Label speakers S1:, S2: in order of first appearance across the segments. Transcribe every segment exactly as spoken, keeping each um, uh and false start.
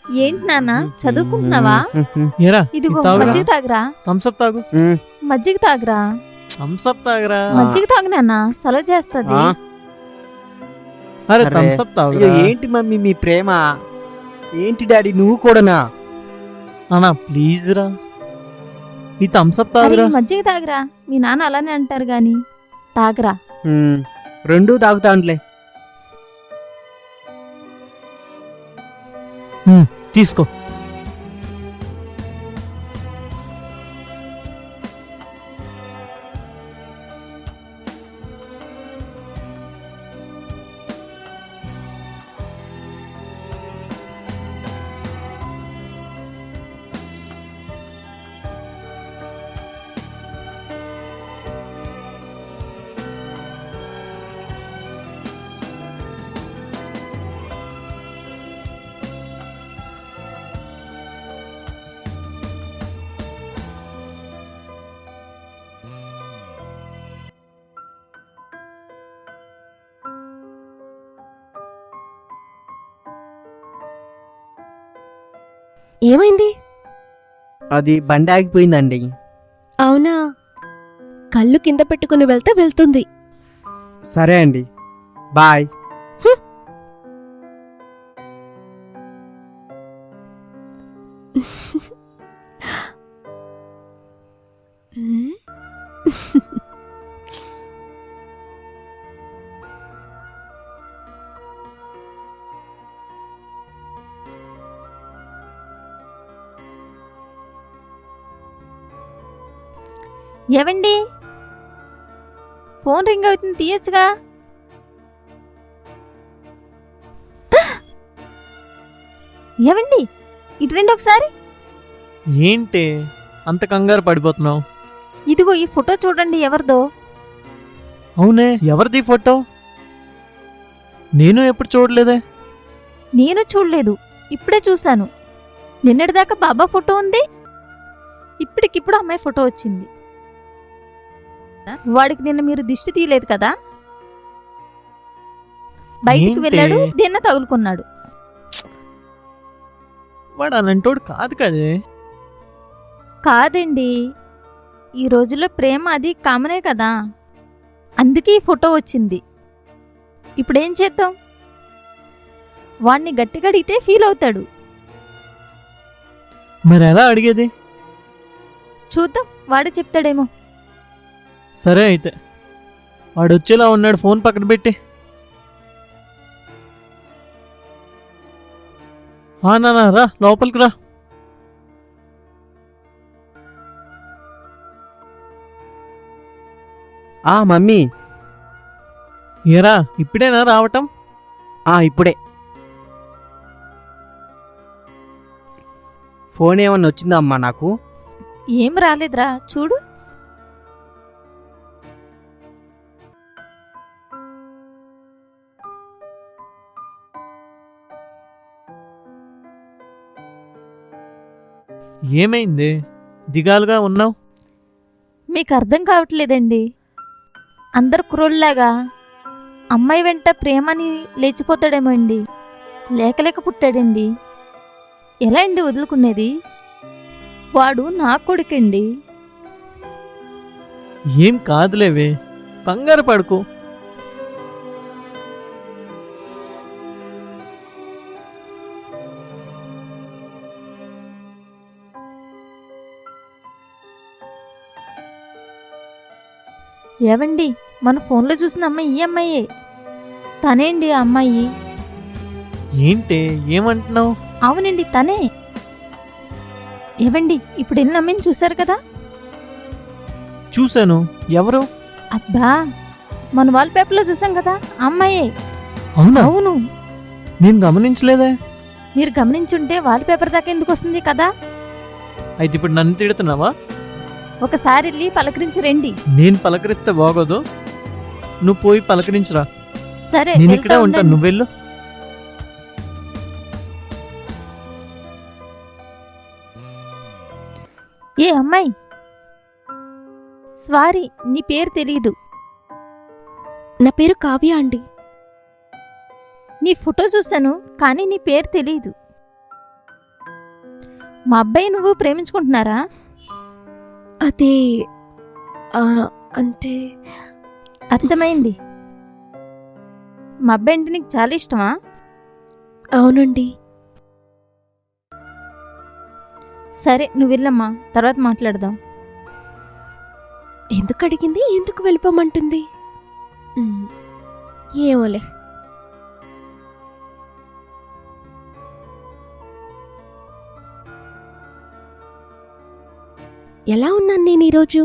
S1: ఏంటి నాన్న చదువుకుంటున్నావా?
S2: ఏరా
S1: ఇదిగో
S2: తాగురా.
S1: మజ్జిగ తాగురా.
S2: థమ్స్అప్ తాగు.
S1: మజ్జిగ తాగురా.
S2: థమ్స్అప్ తాగురా.
S1: మజ్జిగ తాగు నాన్న, సలవ చేస్తది.
S2: అరే
S3: అరే.
S2: థమ్స్అప్ తాగు.
S3: అయ్యో, ఏంటి మమ్మీ మీ ప్రేమ? ఏంటి డాడీ నువ్వు కూడానా?
S2: అన్నా ప్లీజ్ రా, ఈ థమ్స్అప్
S1: అరే
S2: తాగురా.
S1: మజ్జిగ తాగురా. మీ నాన్న అలానే అంటారు గాని తాగురా.
S3: మ్మ్, రెండూ తాగుతానులే.
S2: హ్మ్, తీసుకో.
S4: ఏమైంది?
S3: అది బండి ఆగిపోయిందండి.
S4: అవునా, కళ్ళు కింద పెట్టుకుని వెళ్తే వెళ్తుంది.
S3: సరే అండి, బాయ్.
S1: ఏవండి, ఫోన్ రింగ్ అవుతుంది, తీయొచ్చుగా. ఏవండి, ఇటు రండి ఒకసారి.
S2: ఏంటి అంత కంగారు పడిపోతున్నావు?
S1: ఇదిగో ఈ ఫోటో చూడండి, ఎవరిదో.
S2: అవునే, ఎవరిది ఫోటో? నేను ఎప్పుడు చూడలేదే.
S1: నేను చూడలేదు, ఇప్పుడే చూశాను. నిన్నటిదాకా బాబా ఫోటో ఉంది, ఇప్పటికిప్పుడు అమ్మాయి ఫోటో వచ్చింది. వాడికి నిన్న మీరు దిష్టి తీయలేదు కదా, బయటికి
S2: ఏంటి?
S1: వెళ్ళాడు, దీన్న తగులుకున్నాడు.
S2: వాడు అలాంటోడు కాదు కదే.
S1: కాదండి, ఈ రోజుల్లో ప్రేమ అది కామనే కదా, అందుకే ఈ ఫోటో వచ్చింది. ఇప్పుడేం చేద్దాం? వాణ్ణి గట్టిగా అడిగితే ఫీల్ అవుతాడు.
S2: మరి ఎలా అడిగేది?
S1: చూద్దాం, వాడే చెప్తాడేమో.
S2: సరే అయితే, వాడు వచ్చేలా ఉన్నాడు, ఫోన్ పక్కన పెట్టి. ఆ నాన్న రా, లోపలికి రా.
S3: ఆ మమ్మీ,
S2: ఏరా ఇప్పుడేనా రావటం?
S3: ఆ ఇప్పుడే. ఫోన్ ఏమన్నా వచ్చిందా అమ్మా నాకు?
S1: ఏం రాలేదురా, చూడు.
S2: ఏమైంది దిగాలుగా ఉన్నావు?
S1: మీకు అర్థం కావట్లేదండి, అందరు కుర్రోళ్ళలాగా అమ్మాయి వెంట ప్రేమని లేచిపోతాడేమో అండి. లేకలేక పుట్టాడండి. ఎలా అండి వదులుకునేది? వాడు నా కొడుకండి.
S2: ఏం కాదులేవే, కంగారు పడుకో.
S1: ఏవండి, మన ఫోన్లో చూసిన అమ్మాయి ఈ అమ్మాయే. తనేండి ఆ అమ్మాయి.
S2: ఏంటి ఏమంటున్నావు?
S1: అవునండి, తనే. ఏవండి, ఇప్పుడు వెళ్ళిన అమ్మాయిని చూశారు కదా?
S2: చూశాను. ఎవరు?
S1: అబ్బా, మన వాల్ పేపర్లో చూసాం కదా, ఆ అమ్మాయే.
S2: అవునా?
S1: అవును.
S2: నేను గమనించలేదే.
S1: మీరు గమనించుంటే వాల్ పేపర్ దాకా ఎందుకు వస్తుంది కదా.
S2: అయితే ఇప్పుడు నన్ను తిడుతున్నావా?
S1: ఒకసారి వెళ్ళి పలకరించి రండి.
S2: నేను పలకరిస్తే బాగోదు, నువ్వు పోయి పలకరించురా.
S1: సరే,
S2: నేను
S1: వెళ్తా
S2: ఇక్కడే ఉంటాను,
S1: ఉండండి.
S2: నువ్వు వెళ్ళు.
S1: ఏ అమ్మాయి, స్వారీ, నీ పేరు తెలీదు.
S4: నా పేరు కావ్య అండి.
S1: నీ ఫోటో చూశాను, కానీ నీ పేరు తెలీదు. మా అబ్బాయి నువ్వు ప్రేమించుకుంటున్నారా?
S4: అదే ఆ, అంటే
S1: అర్థమైంది. మా అబ్బాయి అంటే నీకు చాలా ఇష్టమా?
S4: అవునండి.
S1: సరే నువ్వు వెళ్ళమ్మా, తర్వాత మాట్లాడదాం.
S4: ఎందుకు అడిగింది, ఎందుకు వెళ్ళిపోమంటుంది? ఉమ్, ఏమోలే. ఎలా ఉన్నాను నేను ఈరోజు?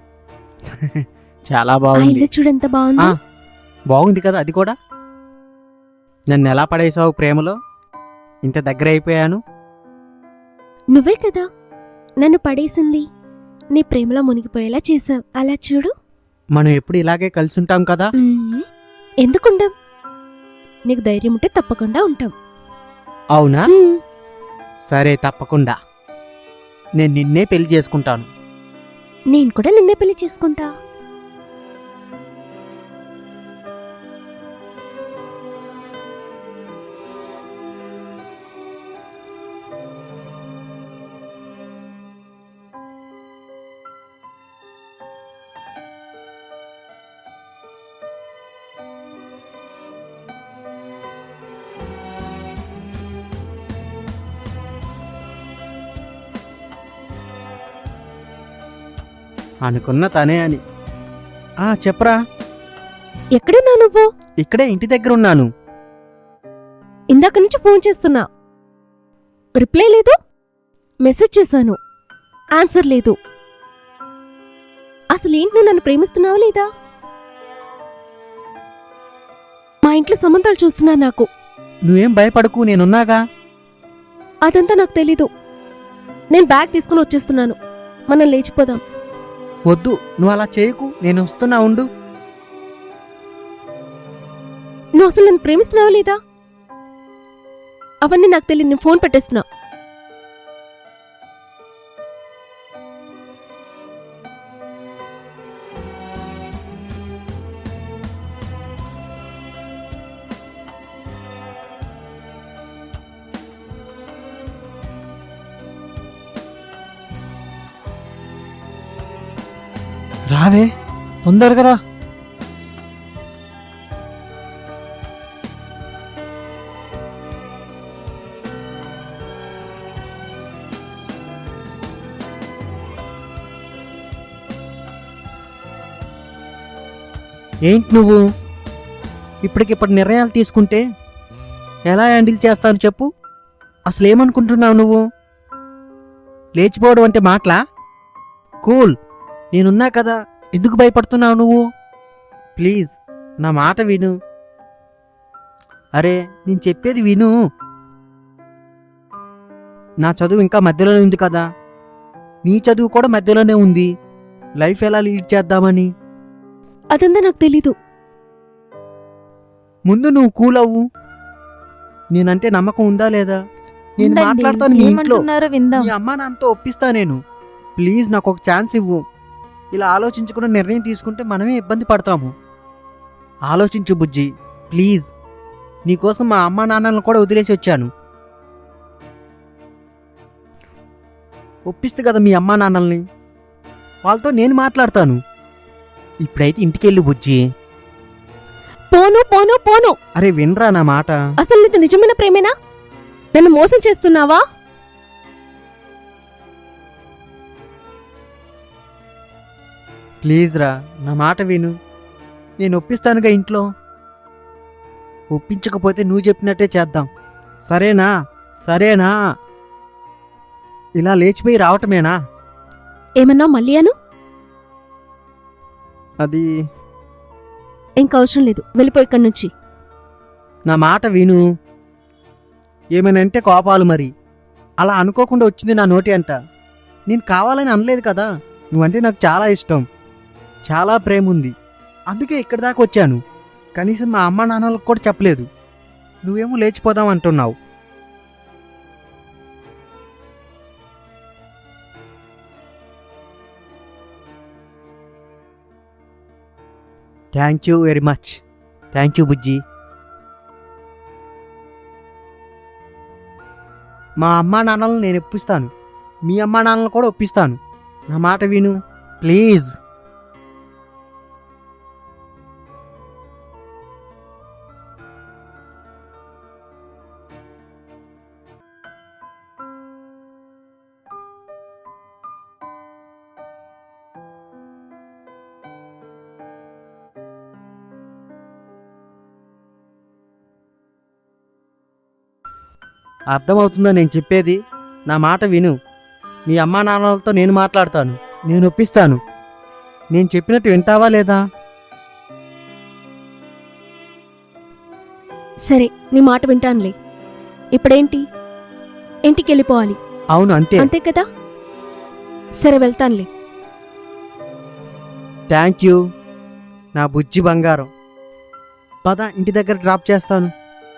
S3: చాలా
S4: ఆ
S3: బాగుంది.
S4: ఇల్లు చూడెంత బాగుంది.
S3: ఆ, బాగుంది కదా అది కూడా. నన్ను ఎలా పడేసావు ప్రేమలో? ఇంత దగ్గర అయిపోయాను.
S4: నువ్వే కదా నన్ను పడేసింది. నీ ప్రేమలో మునిగిపోయేలా చేసావు. అలా చూడు.
S3: మనం ఎప్పుడు ఇలాగే కలిసి ఉంటాం కదా.
S4: ఉమ్, ఎందుకుంటాం? నీకు ధైర్యం ఉంటే తప్పకుండా ఉంటాం.
S3: అవునా?
S4: ఉమ్,
S3: సరే, తప్పకుండా నేను నిన్నే పెళ్లి చేసుకుంటాను.
S4: నేను కూడా నిన్నే పెళ్లి చేసుకుంటా.
S3: అనుకున్న తనే అని. ఆ చెప్పరా.
S4: ఎక్కడున్నా నువ్వు?
S3: ఇక్కడే ఇంటి దగ్గర ఉన్నాను.
S4: ఇందాక నుంచి ఫోన్ చేస్తున్నా, రిప్లై లేదు. మెసేజ్ చేశాను, ఆన్సర్ లేదు. అసలేంటి, నువ్వు నన్ను ప్రేమిస్తున్నావా లేదా? మా ఇంట్లో సంబంధాలు చూస్తున్నా నాకు.
S3: నువ్వేం భయపడకు, నేనున్నాగా.
S4: అదంతా నాకు తెలీదు. నేను బ్యాగ్ తీసుకుని వచ్చేస్తున్నాను. మనం లేచిపోదాం.
S3: వద్దు, నువ్వు అలా చేయకు. నేను వస్తున్నా, ఉండు.
S4: నువ్వు అసలు నన్ను ప్రేమిస్తున్నావా లేదా? అవన్నీ నాకు తెలియదు. నేను ఫోన్ పెట్టేస్తున్నా.
S2: రావే, తొందరగా రా.
S3: ఏంటి నువ్వు ఇప్పటికిప్పుడు నిర్ణయాలు తీసుకుంటే ఎలా హ్యాండిల్ చేస్తాను చెప్పు. అసలు ఏమనుకుంటున్నావు నువ్వు? లేచిపోవడం అంటే మాటలా? కూల్, నేనున్నా కదా. ఎందుకు భయపడుతున్నావు నువ్వు? ప్లీజ్ నా మాట విను. అరే, నేను చెప్పేది విను. నా చదువు ఇంకా మధ్యలోనే ఉంది కదా. నీ చదువు కూడా మధ్యలోనే ఉంది. లైఫ్ ఎలా లీడ్ చేద్దామని.
S4: అదంతా నాకు తెలీదు.
S3: ముందు నువ్వు కూల్ అవ్వు. నేనంటే నమ్మకం ఉందా లేదా? నేను
S1: ఉండండి,
S3: మాట్లాడతాను మీ ఇంట్లో.
S1: ఏమంటున్నారో విందాం.
S3: మీ అమ్మా నాన్నతో ఒప్పిస్తా నేను. ప్లీజ్ నాకు ఒక ఛాన్స్ ఇవ్వు. ఇలా ఆలోచించకుండా నిర్ణయం తీసుకుంటే మనమే ఇబ్బంది పడతాము. ఆలోచించు బుజ్జి, ప్లీజ్. నీకోసం మా అమ్మా నాన్నలను కూడా వదిలేసి వచ్చాను. ఒప్పిస్తే కదా మీ అమ్మా నాన్నల్ని. వాళ్ళతో నేను మాట్లాడతాను. ఇప్పుడైతే ఇంటికెళ్ళు బుజ్జి.
S4: పోను పోను పోను.
S3: అరే వినరా నా మాట.
S4: అసలు నీది నిజమైన ప్రేమేనా? నన్ను మోసం చేస్తున్నావా?
S3: ప్లీజ్ రా, నా మాట విను. నేను ఒప్పిస్తానుగా ఇంట్లో. ఒప్పించకపోతే నువ్వు చెప్పినట్టే చేద్దాం. సరేనా? సరేనా? ఇలా లేచిపోయి రావటమేనా?
S4: ఏమన్నా మళ్ళీ అను?
S3: అది
S4: ఇంకా అవసరం లేదు, వెళ్ళిపో ఇక్కడి నుంచి.
S3: నా మాట విను. ఏమనంటే కోపాలు మరి. అలా అనుకోకుండా వచ్చింది నా నోటి అంట. నేను కావాలని అనలేదు కదా. నువ్వంటే నాకు చాలా ఇష్టం, చాలా ప్రేమ ఉంది. అందుకే ఇక్కడి దాకా వచ్చాను. కనీసం మా అమ్మ నాన్నలకు కూడా చెప్పలేదు. నువ్వేమో లేచిపోదాం అంటున్నావు. Thank you very much. Thank you బుజ్జి. మా అమ్మా నాన్నలను నేను ఒప్పిస్తాను. మీ అమ్మా నాన్నలు కూడా ఒప్పిస్తాను. నా మాట విను ప్లీజ్. అర్థమవుతుందా నేను చెప్పేది? నా మాట విను. మీ అమ్మా నాన్నలతో నేను మాట్లాడతాను, నేను ఒప్పిస్తాను. నేను చెప్పినట్టు వింటావా లేదా?
S4: సరే, నీ మాట వింటానులే. ఇప్పుడేంటి? ఇంటికి వెళ్ళిపోవాలి
S3: అవును, అంతే.
S4: అంతే కదా? సరే, వెళ్తానులే.
S3: థ్యాంక్ యూ నా బుజ్జి బంగారం. పద, ఇంటి దగ్గర డ్రాప్ చేస్తాను.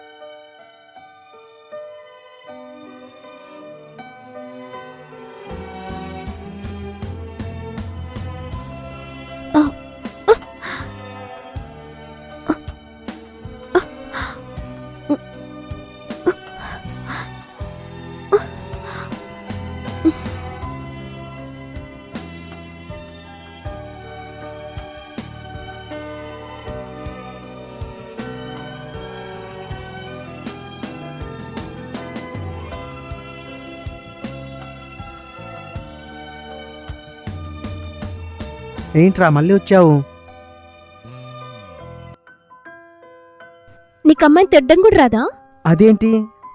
S3: ఏంట్రా మళ్ళీ వచ్చావు?
S4: నీకు అమ్మాయిని తిట్టడం కూడా రాదా?
S3: అదేంటి?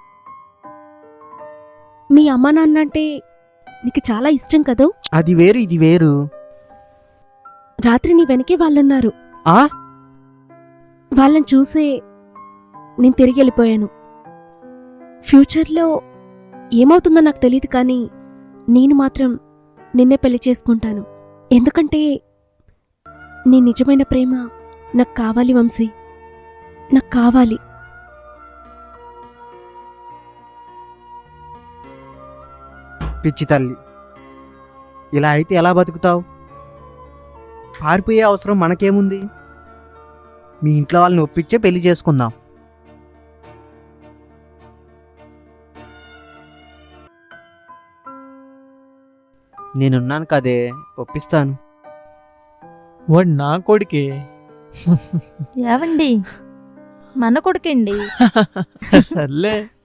S4: మీ అమ్మా నాన్న అంటే నీకు చాలా ఇష్టం కదూ?
S3: అది వేరు, ఇది వేరు.
S4: రాత్రి నీ వెనకే వాళ్ళున్నారు.
S3: ఆ
S4: వాళ్ళని చూసే నేను తిరిగి వెళ్ళిపోయాను. ఫ్యూచర్లో ఏమవుతుందో నాకు తెలియదు, కానీ నేను మాత్రం నిన్నే పెళ్లి చేసుకుంటాను. ఎందుకంటే నీ నిజమైన ప్రేమ నాకు కావాలి వంశీ, నాకు కావాలి.
S3: పిచ్చి తల్లి, ఇలా అయితే ఎలా బతుకుతావు? పారిపోయే అవసరం మనకేముంది? మీ ఇంట్లో వాళ్ళని ఒప్పించే పెళ్లి చేసుకుందాం. నేనున్నాను కదే, ఒప్పిస్తాను.
S2: వాడు నా కొడుకే.
S1: ఏవండి, మన కొడుకండి.
S2: సర్లే.